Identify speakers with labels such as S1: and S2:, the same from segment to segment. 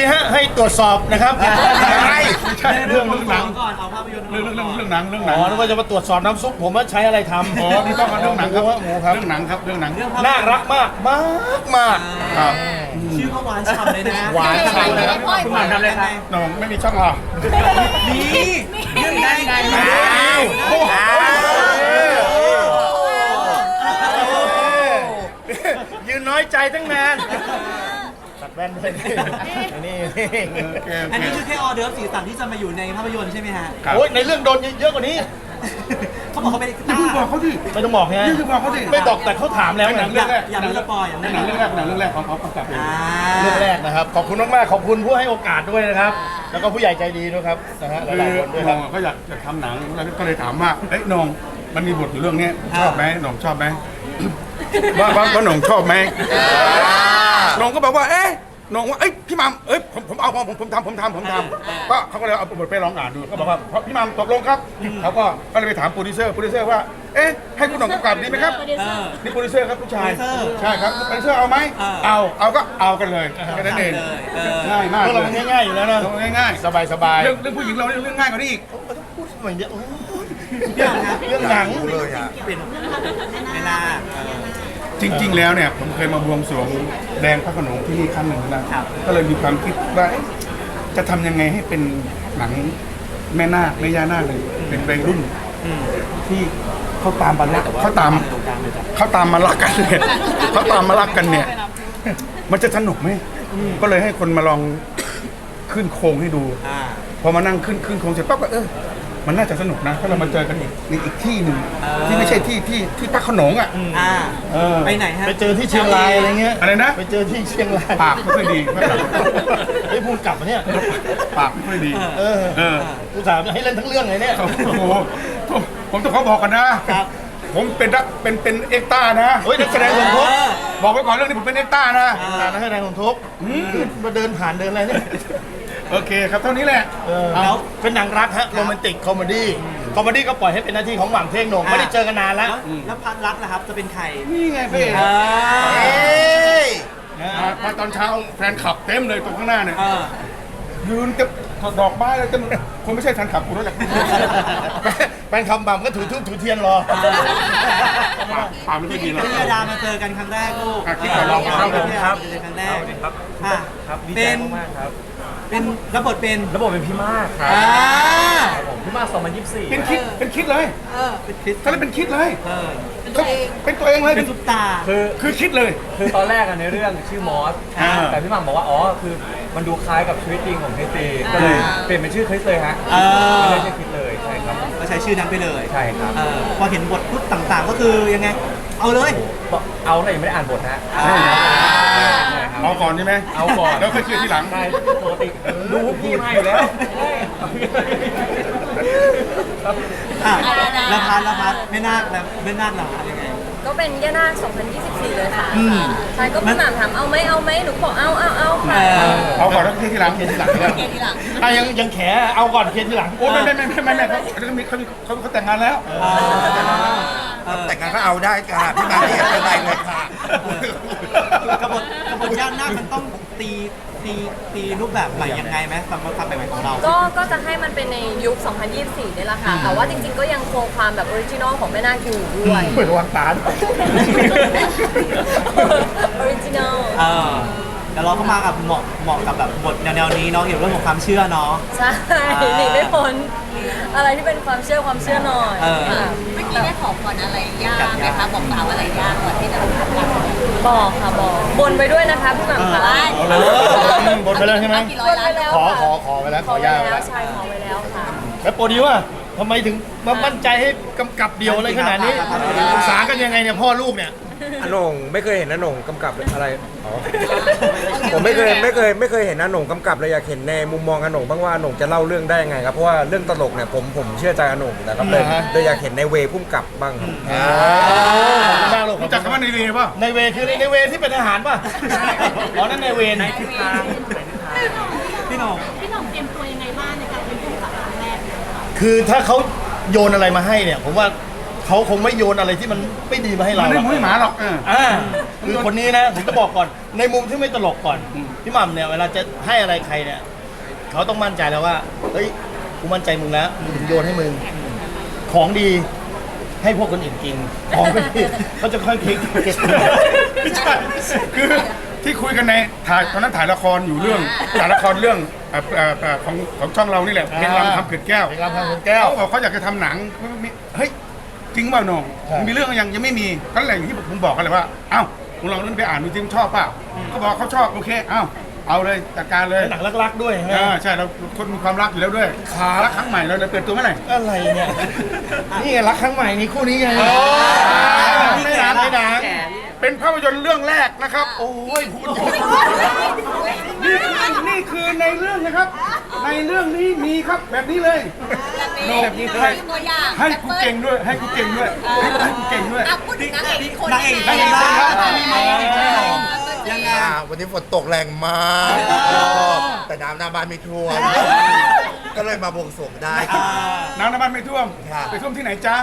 S1: ฮะให้ตรวจสอบนะครับอะไร
S2: ใช่เรื่องหนัง
S3: ก่อนเอาภาพยนตร์
S2: เรื่องหนัง
S1: อ๋อนึกว่าจะมาตรวจสอบน้ำซุปผมว่าใช้อะไรทำ
S2: อ๋อนี่ต้องมาเรื่องหนังครับ
S1: หมูครับ
S2: เรื่องหนังครับเรื่องหนัง
S1: น่ารักมากมากมาก
S2: ครับ
S3: ชื่อก็หวานฉ่ำเลยนะ
S1: หวานฉ่ำเลยครับ
S3: คุณหวานทำอะไรครับ
S2: น้องไม่มีช่องหรอ
S3: นี่เรื่องไง
S1: ยืนน้อยใจตั้งนานตัดแว่นด้วยนี่
S3: อันนี้คือแค่ออเดิร์ฟสีสันที่จะมาอยู่ในภาพยนตร์ใช่ไหมฮะ
S1: โอ้ยในเรื่องโดนเยอะกว่านี้
S3: เขาบอกเขาเป็น
S2: อย่าเพิ่งบอกเขาดิ
S1: ไม่ต้องบอกไง
S2: นี่คือบอกเขาดิ
S1: ไม่บอกแต่เขาถามแล้ว
S2: หนัง
S1: ไง
S2: เรื่องแรก
S3: อย่าไม่สปอยอย่า
S2: ห
S3: ไม่
S2: นังเรื่องแรกของเขากำกับเอง
S1: เรื่องแรกนะครับ ขอบคุณมากๆขอบคุณผู้ให้โอกาสด้วยนะครับ แล้วก็ผู้ใหญ่ใจดีด้วยครับนะฮะห
S2: คือ
S1: ลายๆคนด้วยค
S2: น้
S1: รั
S2: อบ งเขาอยากจะทำหนังแล้วก็เลยถามว่าเอ้ยน้องมันมีบทอยู่เรื่องนี้ชอบไหมน้องชอบไหมว่าน้องชอบไหมน้องก็บอกว่าเอ๊ะน้องว่าเอ้ยพี่มัมเอ้ยผมเอาผมทำก็เขาก็เลยเอาบทไปลองอ่านดูก็บอกว่าพี่มัมตกลงครับเขาก็เลยไปถามโปรดิวเซอร์ว่าเอ๊ะให้คุณหน่องกำกับดีไหมครับนี่โปรดิวเซอร์ครับผู้ชายใช่ครับโปรดิวเซอร์เอาไหมเอาก็เอากันเลยแค่นั้นเองง่ายมาก
S1: พวก
S2: เล
S1: เรา
S2: ย
S1: ง่ายๆอยู่แล้วนะ
S2: ง่าย
S1: สบาย
S2: ๆเรื่องผู้หญิงเราเรื่องง่ายกว่านี้อีก
S1: พูดเหมือนเยอะ
S3: เรื่องครับ
S1: เรื่องหนัง
S3: เป็นไม่น่า
S2: จริง ๆ แล้วเนี่ยผมเคยมาบวงสรวงแดงพระโขนงที่นี่ครั้งหนึ่งนะก็เลยมีความคิดว่าเอ๊ะจะทำยังไงให้เป็นหนังแม่นาคแม่ย่านาคเลยเป็นวัยรุ่นที่เขาตามมารักเขาตามมารักกันเนี่ยเขาตามมารักกันเนี่ย มันจะสนุกไหมก็เลยให้คนมาลองขึ้นโครงให้ดู พอมานั่งขึ้นโครงเสร็จปั๊บก็มันน่าจะสนุกนะถ้าเรามาเจอกันอีกที่หนึ่งที่ไม่ใช่ที่พระโขนงอ่ะ
S3: ไปไหนฮะ
S1: ไปเจอที่เชียงรายอะไรเงี้ย
S2: อะไรนะ
S1: ไปเจอที่เชียงราย
S2: ปากไม่ค่อยดี
S1: ไอ้พูดกลับมาเนี่ย
S2: ปากไม่ค่อยดี
S1: กูถามให้เล่นทั้งเรื่องเลยเนี่ย
S2: โอ้โหผมต้องขอบอกกันนะ ผมเป็นเอ็กต้านะ
S1: เฮ้ยนักแสดงสมทบ
S2: บอกไว้ก่อนเรื่องนี้ผมเป็นเอ็กต้านะ
S1: นักแสดงสมทบมาเดินผ่านเดินอะไรเนี่ย
S2: โอเคครับเท่านี้แหละ
S1: แล้วเป็นหนังรักฮะโรแมนติกคอมเมดี้ก็ปล่อยให้เป็นหน้าที่ของหว่างเท่งโหน่งไม่ได้เจอกันนานแล้ว
S3: แล้วพันรักนะครับจะเป็นใคร
S2: นี่ไงพี่ มาตอนเช้าแฟนขับเต็มเลยตรงข้างหน้าเนี่ยยืนจะดอกไม้เลยจะคงไม่ใช่แฟนขับกูแล้วแหละ
S1: แฟนคำบ่ำก็ถือทูบถือเทียนรอ
S2: ปากไม่ค่อยดีหรอก
S3: พี่ยาดามาเจอกันครั้งแรกลูก
S2: คิดก่อนลองครับผม
S3: ครับเจอครั้งแรกครับเป็นรับบทเป็น
S4: ระบบเป็นพี่มากครับผมพี่มาก2024
S2: เป็นคิดเลย
S3: เป็นคริส
S2: เขาเลยเป็นคิดเลย
S3: เป็นตัวเอง
S2: เป็นตัวเองเลย
S3: เป็นซุปตา
S2: คือคิดเลย
S4: คือตอนแรกในเรื่องชื่อมอส แต่พี่หม่ำบอกว่าอ๋อคือมันดูคล้ายกับชีวิตจริงของคริสตีก็เลยเปลี่ยนเป็นชื่อคริสเลยฮะไม่ได้ชื่อคริสเลยใช่ครับ
S3: ก็ใช้ชื่อนั้นไปเลย
S4: ใช่ครับ
S3: พอเห็นบทพูดต่างๆ ก็คือยังไง เอาเลย
S4: เอาแต่ยังไม่ได้อ่านบทนะ
S2: เอาก่อนใช่ไหม
S4: เอาก่อน
S2: แล้วค่อยคิดทีหลัง
S4: ใช่ปกติดูพี่มาอยู่แล้ว
S3: แล้วพัดไม่น่าแล้วไม่น่าหรอยังไง
S5: ก็เป็นย่านาค2024 เลยค่ะใช่ก็พี่หม่ำถามเอาไหมหนูบอกเอาค่ะ
S2: เอาก่อนแล้วคิดทีหลัง
S1: เทียนทีหลังเนี่ยยังแขเอาก่อนเทียนทีหลัง
S2: โอ้ไม่เขาแต่งงานแล้ว
S6: แต่งงานก็เอาได้ค่ะพี่มาไม่เห็นเป็นไรเลยค่ะ
S3: กบฏย่านหน้ามันต้องตีรูปแบบใหม่ยังไงไหมสำหรับความใหม่ของเรา
S5: ก็จะให้มันเป็นในยุค 2024 นี่แหละค่ะ แต่ว่าจริงๆ ก็ยังคงความแบบออริจินอลของแม่นาคอยู่ด้วย
S1: เปิดวางตา
S5: ออริจินอล
S3: แต่เราก็มากับเหมาะกับแบบบทแนวนี้เนาะเกี่ยวกับเรื่องของความเชื่อเนาะ
S5: ใช่หนีไม่พ้นอะไรที่เป็นความเชื่อหน่อย
S7: เมื่อกี้ได้ขอพรอะไรยากไหมคะบอกกล่าวอะไรยากก่อนที่จะทำการ
S5: บอกค่ะบอกบนไปด้วยนะคะพี่หม่ำค่ะ
S1: บนไปแล้วใช่ไหม
S7: กี่ร้อยล้าน
S5: แล้ว
S1: ขอไปแล้ว
S5: ขอไว้
S1: ย่าไป
S5: แล้
S1: แล้ว ว
S5: ใช่ขอไว้แล้วค่ะ
S1: แล้วโปรดิวอะทำไมถึงมามั่นใจให้กำกับเดียวอะไรขนาดนี้ปรึกษากันยังไงเนี่ยพ่อลูกเนี่ย
S8: อาโหน่งไม่เคยเห็นอาโหน่งกำกับอะไรอ๋อผมไม่เคยเห็นอาโหน่งกำกับเลยอยากเห็นในมุมมองอาโหน่งบ้างว่าอาโหน่งจะเล่าเรื่องได้ยังไงครับเพราะว่าเรื่องตลกเนี่ยผมเชื่อใจอาโหน่งนะครับเลยอยากเห็นในเวพุ่มกับบ้างครับ
S1: ขอบคุณมากลูก
S2: รู้จักคำว่าในเวป่ะ
S1: ในเวคือในเวที่เป็นอาหารป่ะอ๋อนั่นในเวในทิศทาง
S3: พี่หน้อง
S7: พี่หน่องเตรียมตัวยังไงบ้างในการเป็นผู้กำกับครั้งแรก
S1: คือถ้าเขาโยนอะไรมาให้เนี่ยผมว่าเขาคงไม่โยนอะไรที่มันไม่ดีมาให้เรา
S2: มันไม่มุ้ยหมาหรอก
S1: อ่าคือคนนี้นะผมจะบอกก่อนในมุมที่ไม่ตลกก่อนพี่หม่ำเนี่ยเวลาจะให้อะไรใครเนี่ยเขาต้องมั่นใจแล้วว่าเฮ้ยกูมั่นใจมึงแล้วมึงถึงโยนให้มึงของดีให้พวกคนอื่นกินของไม่ดีเขาจะค่อยคิดเก็บ
S2: ไม่ใช่คือที่คุยกันในตอนนั้นถ่ายละครอยู่เรื่องถ่ายละครเรื่องของช่องเรานี่แหละเพลงรำคำเกิดแก้ว
S1: เพลงรำคำเกิดแก้ว
S2: เขาบอกเขาอยากจะทำหนังเฮ้ยจริงเปล่าน้อง
S1: ใช่
S2: มีเรื่องยังไม่มีก็แหล่งที่ผมบอกกันเลยว่าเอ้าคุณลองเล่นไปอ่านดูจริงชอบเปล่าเขาบอกเขาชอบโอเคเอ้าเอาเลยจัดการเลย
S1: หนังรักๆด้วยใช่ไหม
S2: ใช่เราคนมีความรักอยู่แล้วด้วยรักครั้งใหม่เราเปิดตัวเมื่อไหร่
S1: อะไรเนี่ยนี่ไงรักครั้งใหม่นี่คู่นี้ไงไม่นานไม่นาน
S2: เป็นภาพยนตร์เรื่องแรกนะครับ โอ้ยพูดเยอะนี่คือในเรื่องนะครับ ในเรื่องนี้มีครับแบบนี้เลย
S7: แบบนี้ตัวอย่าง
S2: ให้กูเก่งด้วย ให้กูเก่งด้วยให้กูเก่งด้วย
S7: อ่ะพูดถึงนางเอกคน
S3: นางเอก
S7: นี้
S3: นางเอก
S7: บ้าง
S3: ยังไง
S6: วันนี้ฝนตกแรงมาก แต่น้ำหน้าบ้านไม่ท่วม ก็เลยมาบวงสรวงได้
S2: น้ำมันไม่ท่วม
S6: ครับ
S2: ไปท่วมที่ไหนจ้า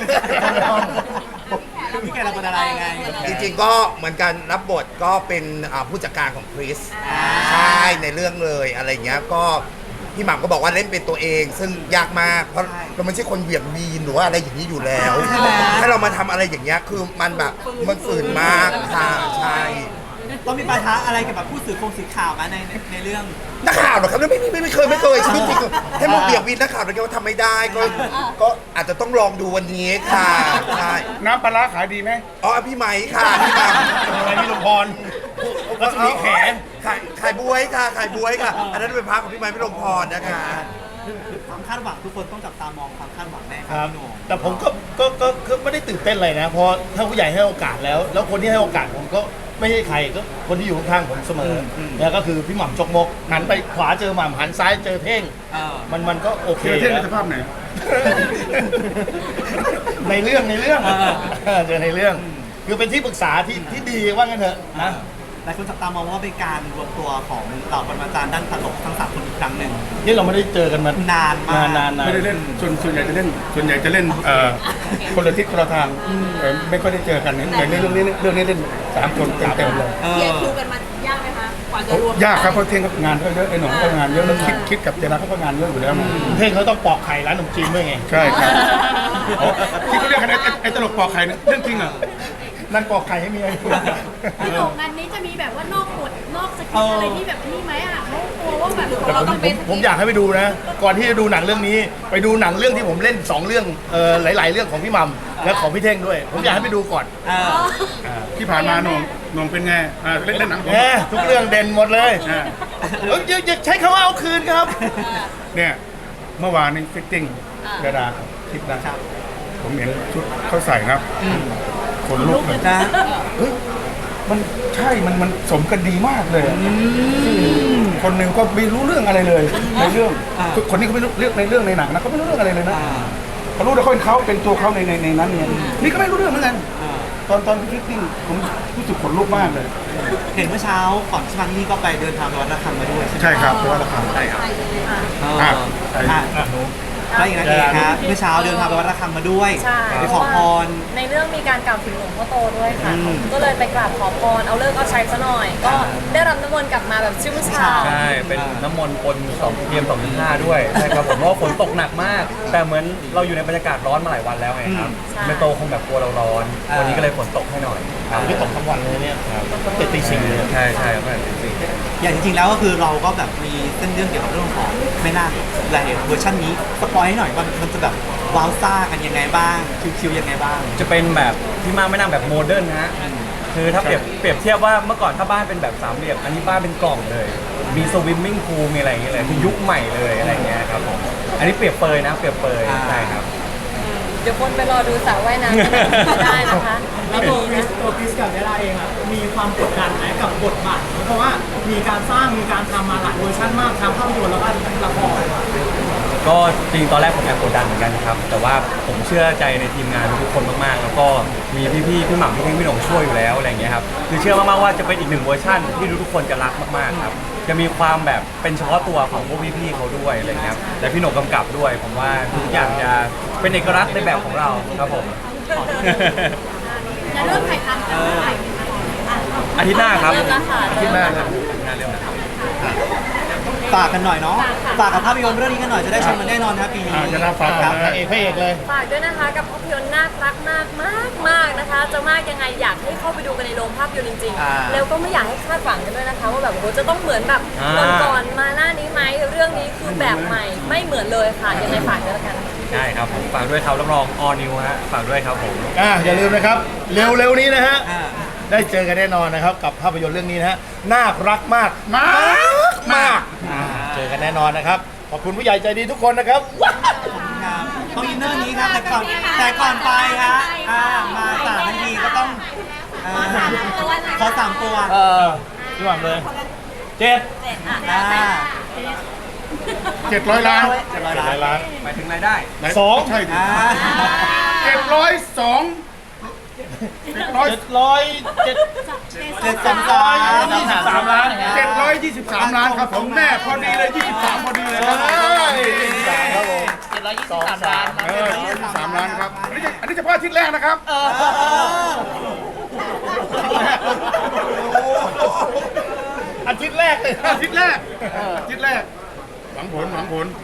S3: พี่แกเราเป็นอะไรยังไง
S6: จริงๆก็เหมือนกันรับบทก็เป็นผู้จัดการของคริสใช่ในเรื่องเลยอะไรเงี้ยก็พี่หม่ำก็บอกว่าเล่นเป็นตัวเอง ซึ่งยากมากเพราะเราไม่ใช่คนเหวี่ยงวีนหรือว่าอะไรอย่างนี้อยู่แล้ว ถ้าเรามาทำอะไรอย่างเงี้ยคือมันแบบมันฝืนมากค่ะใช่
S3: ต้องมีปัญหาอะไรกับแบบผู้สื่อข่าวไหมในเรื่อง
S6: นักข่าวเหรอครับไม่เคยชีวิตจริงให้มาเบี่ยงวีนนักข่าวเลยว่าทำไม่ได้ก็อาจจะต้องลองดูวันนี้ค่ะใช่
S2: น้ำปลาร้าขายดีไหม
S6: อ๋อพี่ไหมค่ะพี่หม่ำ
S1: อะไรพี่ลมพรรัศมีแข
S6: ขายบวยค่ะขายบวยค่ะ อันนั้นเป็นพระของพี่ไม้พี่ลมพรนะคะ
S3: ความคาดหวังทุกคนต้องจับตามองความคาดหวังแน่ค
S1: ค
S3: รั
S1: รั
S3: บบ พี่โหน่ง
S1: แต่ผมก็ไม่ได้ตื่นเต้นอะไรนะเพราะถ้าผู้ใหญ่ให้โอกาสแล้วคนที่ให้โอกาสผมก็ไม่ใช่ใครก็คนที่อยู่ข้างๆผมเสมอแล้วก็คือพี่หม่ำจกมกหันไปขวาเจอหม่ำหันซ้ายเจอเท่ง มันก็โอเค
S2: เจอเท่งใน
S1: แล้ว
S2: สภาพไหน
S1: ในเรื่องเจอในเรื่องคือเป็นที่ปรึกษาที่ดีว่างั้นเถอะนะ
S3: หลายคนจับตามองว่าเป็นการรวมตัวของเหล่าปรมาจารย์ด้านตลกทั้ง3คนอีกครั้งหนึ่ง
S1: นี่เราไม่ได้เจอกันมาน
S3: านมาก
S1: นาน
S2: ไม่ได้เล่นส่วนใหญ่จะเล่นคนละทิศคนละทางไม่ค่อยได้เจอกันในเรื่องนี้เล่น3 คนเต็มๆเลย
S7: เรียนครูกันมายากไหมคะกว่าจะรวม
S2: ยากครับเพราะเท่งงานเขาเยอะไอ้หนุ่มก็งานเยอะแล้วคิดกับเจราเขาก็งานเยอะอยู่แล้ว
S1: เท่งเขาต้องปอกไข่ร้านขนมจีนด้วยไง
S2: ใช่ครับที่เขาเรียกกันไอ้ตลกปอกไข่เนี่ยเรื่องจริงเหรอ
S1: นั่นปอกไข่ให้เมีย
S9: พี่โหน่งงานนี้จะมีแบบว่านอกบทนอกสคริปต์อะไรที่แบบนี้ไหมอ่ะเขากลัวว่าแบบ
S1: แต่ผมอยากให้ไปดูนะ ก่อนที่จะดูหนังเรื่องนี้ ไปดูหนังเรื่องที่ผมเล่น2เรื่องหลายๆเรื่องของพี่มัมและของพี่เท่งด้วย ผมอยากให้ไปดูก่อน
S2: ที่ผ่านมาหนุ่มเป็นไงเล่นหนังผม
S1: แหมทุกเรื่องเด่นหมดเลยอย่าใช้คำว่าเอาคืนครับ
S2: เนี่ยเมื่อวานนี้ฟิตติ้งดาราคลิปนะครับผมเห็นชุดเขาใส่ครับคนลุกเลย
S3: นะ
S2: เฮ้ยมันใช่มันสมกันดีมากเลยคนหนึ่งก็ไม่รู้เรื่องอะไรเลยในเรื่องคนนี้เขาไม่รู้เรื่องในเรื่องในหนังนะเขาไม่รู้เรื่องอะไรเลยนะเขารู้แต่เขาเป็นตัวเขาในนั้นเนี่ยนี่ก็ไม่รู้เรื่องเหมือนกันตอนฟิตติ้งผมรู้สึกขนลุกมากเลย
S3: เห็นเมื่อเช้าก่อนที่มาที่นี่ก็ไปเดินทางไปวัดระฆังมาด้วยใช่ไหม
S2: ใช่ครับเพราะว่าราคาใช่ครับ
S3: แล้วอีกนะเองครับเมื่อเช้าเดินทางไปวัดระฆังมาด้วย
S5: ใช่
S3: ไปขอพร
S5: ในเรื่องมีการกล่าวถึงหลวงพ่อโตด้วยค่ะ
S3: อืม
S5: ก็เลยไปกราบขอพรเอาเลิกเอาชัยซะหน่อย ก็ได้รับน้ำมนต์กลับมาแบบชุ่มฉ่ำ
S4: ใช่ เป็นน้ำมนต์ปน2 PM 2.5 ด้วยใช่ครับผมเพราะว่าฝนตกหนักมาก แต่เหมือนเราอยู่ในบรรยากาศร้อนมาหลายวันแล้วไงครับ
S5: ใช่
S4: ไม่โตคงแบบกลัวเราร้อน วันนี้ก็เลยฝนตกให้หน่อยครับ
S1: ที่ตกทั้งวันเลยเนี่ยตั้งแต่ตี 4เลย
S4: ใช่ใช่ครับจริง
S3: อย่างจริงๆแล้วก็คือเราก็แบบมีเส้นเรื่องเกี่ยวกับเรื่องของแม่นาคหลายเวอร์ชันนี้สปอยให้หน่อยว่ามันจะแบบว้าวซ่ากันยังไงบ้างคิวๆยังไงบ้าง
S4: จะเป็นแบบที่มาไม่นั่งแบบโมเดิร์นนะฮะคือถ้าเปรียบเทียบว่าเมื่อก่อนถ้าบ้านเป็นแบบ3 เหลี่ยมอันนี้บ้านเป็นกล่องเลย มีสวิมมิ่งพูลมีอะไรอย่างเงี้ยเลยคือยุคใหม่เลยอะไรเงี้ยครับผมอันนี้เปรียบเปยนะเปรียบเปยใช่ครับ
S5: เดี๋ยวคนไปรอดูสระว่ายน้ำได้นะคะไม่มีนะ
S10: ตัวคริสกับเวลาเองอะมีความกดดันไหมกับบทบาทนี้เพราะว่ามีการสร้างมีการทำมาหลายเวอร์ชันมากทั้งภาพยนตร์แล้วก็ละคร
S4: ก็จริงตอนแรกผมแอบกดดันเหมือนกันครับแต่ว่าผมเชื่อใจในทีมงานทุกคนมากๆแล้วก็มีพี่หม่ำพี่เท่งพี่หนงช่วยอยู่แล้วอะไรอย่างเงี้ยครับคือเชื่อมากๆว่าจะเป็นอีก1 เวอร์ชันที่ทุกคนจะรักมากๆครับจะมีความแบบเป็นเฉพาะตัวของพวกพี่ๆเขาด้วยอะไรเงี้ยและพี่หนงกำกับด้วยผมว่าทุกอย่างจะเป็นเอกลักษณ์ในแบบของเราครับผม
S9: จะเริ่มถ่ายทำกันเมื่อไหร่คะ
S4: อาทิตย์หน้าครับ
S5: เริ่มแล้วค่ะ
S1: ที่หน้าครับ
S3: ฝากกันหน่อยเนาะฝากกับภาพยนตร์เรื่องนี้กันหน่อยจะได้ชมกันแน่นอนครับปีนี้
S2: จะน่าฟัง
S3: ครับ
S2: นะ
S1: เอกพระเอกเลย
S5: ฝากด้วยนะคะกับภาพยนตร์น่ารักมากมากมากนะคะ จะมากยังไงอยากให้เข้าไปดูกันในโรงภาพยนตร์จริง
S3: อ่า
S5: ๆ แล้วก็ไม่อยากให้คาดหวังกันด้วยนะคะ ว่าแบบโอ้โหจะต้องเหมือนแบบ
S4: อ่า
S5: ก่อนๆมาหน้านี้ไหมเรื่องนี้คือแบบใหม่ไม่เหมือนเลยค่ะยังไงฝากด้วยละกัน
S4: ได้ครับผมฝากด้วยครับรับรองออนิวฮะฝากด้วยครับผม
S1: อย่าลืมนะครับ เร็วๆนี้นะฮะ
S3: อ่า
S1: ได้เจอกันแน่นอนนะครับ กับภาพยนตร์เรื่องนี้นะฮะน่ารักมากมากเจอกันแน่นอนนะครับ ขอบคุณผู้ใหญ่ใจดีทุกคนนะครับว้าว
S3: ครับต้องอินเนอร์นี้ครับแต่ก่อนไปฮะมาสามนาทีก็ต้องขอสามตัว
S1: พี่หวังเลยเจ็ด
S3: อ่า
S2: 700 ล้าน
S1: ล้าน
S4: หมายถึงรายได้
S1: สอง
S2: ใช่ดิ
S3: อ่า
S2: 702
S1: 723 ล้าน
S2: 723 ล้านครับผมแม่พอดีเลย 23 พอดีเลยครับ
S1: ครับผม
S5: 723 ล้าน
S2: 23 ล้านครับอันนี้เฉพาะอาทิตย์แรกนะครับ
S1: อาทิตย์แรกเลย
S2: อาทิตย์แรกหวังผล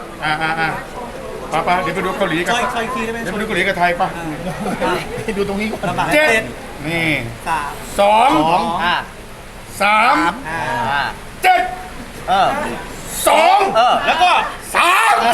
S2: ป้าเดี๋ยวไปดูเกาหลีกัน
S3: ช่วยคีย์ได้ไหม
S2: เดี๋ยวไปดูเกาหลีกับไทยป่ะ
S1: ดูตรงนี้ก่อน
S3: ลำบาก
S2: เจ็
S3: เจ็
S2: ด
S3: ด
S2: นี่
S3: สาม
S2: สอง
S1: อ่า
S2: สาม
S3: อ่า
S2: เจ็ด
S1: เออ
S2: สอง
S1: แล้วก็
S2: สาม